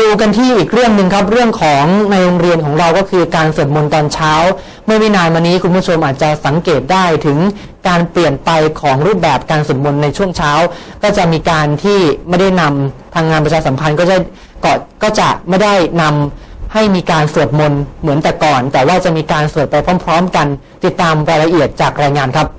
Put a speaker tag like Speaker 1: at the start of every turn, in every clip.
Speaker 1: ดูกันที่อีกเรื่องหนึ่งครับเรื่องของในโรงเรียนของเราก็คือการสวดมนต์ตอนเช้าเมื่อไม่นานมานี้คุณผู้ชมอาจจะสังเกตได้ถึงการเปลี่ยนไปของรูปแบบการสวดมนต์ในช่วงเช้าก็จะมีการที่ไม่ได้นำทางงานประชาสัมพันธ์ก็จะไม่ได้นำให้มีการสวดมนต์เหมือนแต่ก่อนแต่ว่าจะมีการสวดไปพร้อมๆกันติดตามรายละเอียดจากรายงานครับ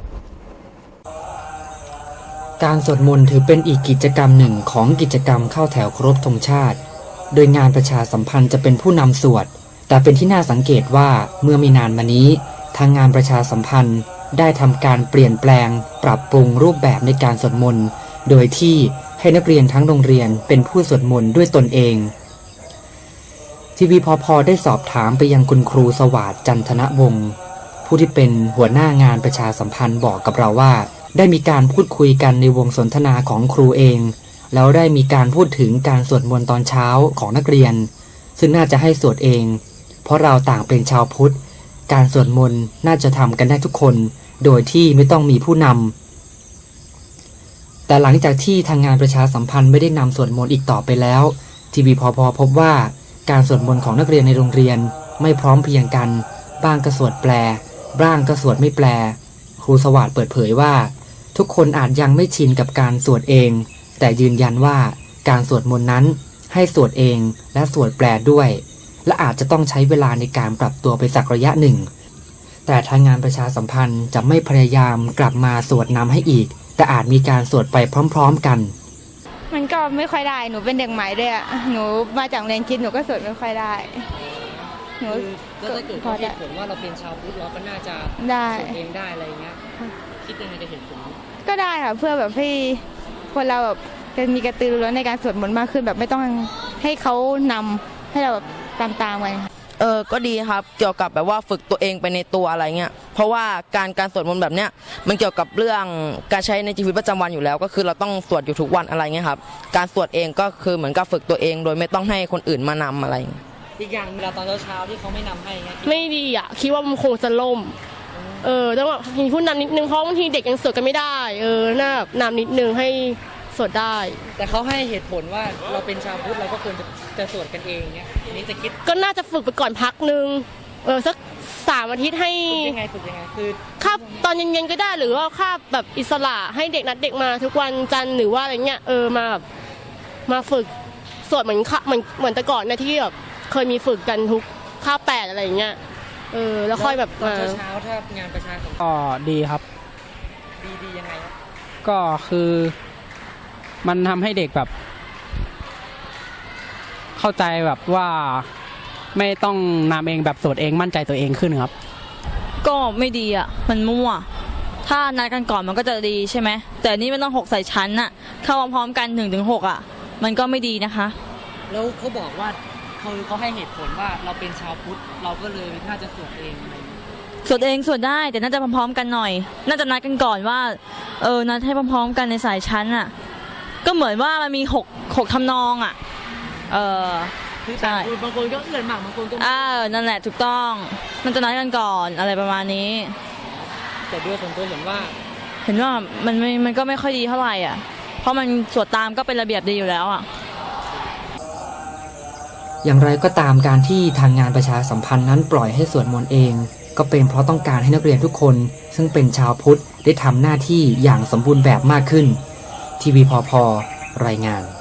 Speaker 2: การสวดมนต์ถือเป็นอีกกิจกรรมหนึ่งของกิจกรรมเข้าแถวเคารพธงชาติโดยงานประชาสัมพันธ์จะเป็นผู้นำสวดแต่เป็นที่น่าสังเกตว่าเมื่อไม่นานมานี้ทางงานประชาสัมพันธ์ได้ทำการเปลี่ยนแปลงปรับปรุงรูปแบบในการสวดมนต์โดยที่ให้นักเรียนทั้งโรงเรียนเป็นผู้สวดมนต์ด้วยตนเองทีวีพพได้สอบถามไปยังคุณครูสวัสดิ์จันทนวงศ์ผู้ที่เป็นหัวหน้างานประชาสัมพันธ์บอกกับเราว่าได้มีการพูดคุยกันในวงสนทนาของครูเองแล้วได้มีการพูดถึงการสวดมนต์ตอนเช้าของนักเรียนซึ่งน่าจะให้สวดเองเพราะเราต่างเป็นชาวพุทธการสวดมนต์น่าจะทำกันได้ทุกคนโดยที่ไม่ต้องมีผู้นำแต่หลังจากที่ทางงานประชาสัมพันธ์ไม่ได้นำสวดมนต์อีกต่อไปแล้วทีวีพพพบว่าการสวดมนต์ของนักเรียนในโรงเรียนไม่พร้อมเพรียงกันบ้างก็สวดแปลบ้างก็สวดไม่แปลครูสวัสดิ์เปิดเผยว่าทุกคนอาจยังไม่ชินกับการสวดเองแต่ยืนยันว่าการสวดมนต์นั้นให้สวดเองและสวดแปลด้วยและอาจจะต้องใช้เวลาในการปรับตัวไปสักระยะหนึ่งแต่ทางงานประชาสัมพันธ์จะไม่พยายามกลับมาสวดนำให้อีกแต่อาจมีการสวดไปพร้อมๆกัน
Speaker 3: มันก็ไม่ค่อยได้หนูเป็นเด็กใหม่ด้วยอ่ะหนูมาจากเรียนคิดหนูก็สวดไม่ค่อยได้
Speaker 2: หนูก็ถ้าเกิดเขาเหตุผลว่าเราเป็นชาวพุทธเราก็น่าจะสวดเองได้อะไรเงี้ยคิดยังไงจะเห็นผล
Speaker 3: ก็ได้ค่ะเพื่อแบบให้คนเราแบบจะมีกระตือรือร้นในการสวดมนต์มากขึ้นแบบไม่ต้องให้เขานำให้เราแบบตามไป
Speaker 4: ก็ดีครับเกี่ยวกับแบบว่าฝึกตัวเองไปในตัวอะไรเงี้ยเพราะว่าการสวดมนต์แบบเนี้ยมันเกี่ยวกับเรื่องการใช้ในชีวิตประจำวันอยู่แล้วก็คือเราต้องสวดอยู่ทุกวันอะไรเงี้ยครับการสวดเองก็คือเหมือนกับฝึกตัวเองโดยไม่ต้องให้คนอื่นมานำอะไร
Speaker 2: อีกอย่างเวลาตอนเช้าที่เขาไม่นำให้
Speaker 5: ไม่ดีอ่ะคิดว่ามันคงจะล่มต้องแบบมีผู้นำนิดนึงเพราะบางทีเด็กยังสวดกันไม่ได้น่าแบบนำนิดนึงให้สวดได้
Speaker 2: แต่เขาให้เหตุผลว่าเราเป็นชาวพุทธเราก็ควรจะสวดกันเองเนี่ยนี่จะคิด
Speaker 5: ก็น่าจะฝึกไปก่อนพักนึงสัก3 อาทิตย์ให้
Speaker 2: ฝึกยังไงคือ
Speaker 5: คาบตอนเย็นๆก็ได้หรือว่าคาบแบบอิสระให้เด็กนัดเด็กมาทุกวันจันทร์หรือว่าอะไรเงี้ยมาแบบมาฝึกสวดเหมือนแต่ก่อนนะที่แบบเคยมีฝึกกันทุกคาบ8อะไรเงี้ยแล้วค่อยแบบ
Speaker 2: เช้าถ้างานประชาสัมพันธ์
Speaker 6: ก็ดีครับ
Speaker 2: ดียังไงครับ
Speaker 6: ก็คือมันทำให้เด็กแบบเข้าใจแบบว่าไม่ต้องนำเองแบบสวดเองมั่นใจตัวเองขึ้นครับ
Speaker 7: ก็ไม่ดีอ่ะมันมั่วถ้านัดกันก่อนมันก็จะดีใช่ไหมแต่นี่มันต้อง6ใส่ชั้นน่ะเข้าพร้อมกัน1-6อ่ะมันก็ไม่ดีนะคะ
Speaker 2: แล้วเขาบอกว่าเขาให้เหตุผลว่าเราเป็นชาวพุทธเราก็เลยน่าจะสวดเอง
Speaker 7: สวดเองสวดได้แต่น่าจะพร้อมๆกันหน่อยน่าจะนัดกันก่อนว่านัดให้พร้อมๆกันในสายชั้นอ่ะก็เหมือนว่ามันมี6ทำนองอ่ะ
Speaker 2: ใช่บางคนก็เกินหมากบางคนก็
Speaker 7: นั่นแหละถูกต้องมันจะนัดกันก่อนอะไรประมาณนี้
Speaker 2: แต่ด้วยส่วนตัวเห็นว่า
Speaker 7: มันก็ไม่ค่อยดีเท่าไหร่อ่ะเพราะมันสวดตามก็เป็นระเบียบดีอยู่แล้วอ่ะ
Speaker 2: อย่างไรก็ตามการที่ทางงานประชาสัมพันธ์นั้นปล่อยให้สวดมนต์เองก็เป็นเพราะต้องการให้นักเรียนทุกคนซึ่งเป็นชาวพุทธได้ทำหน้าที่อย่างสมบูรณ์แบบมากขึ้นทีวีพพรายงาน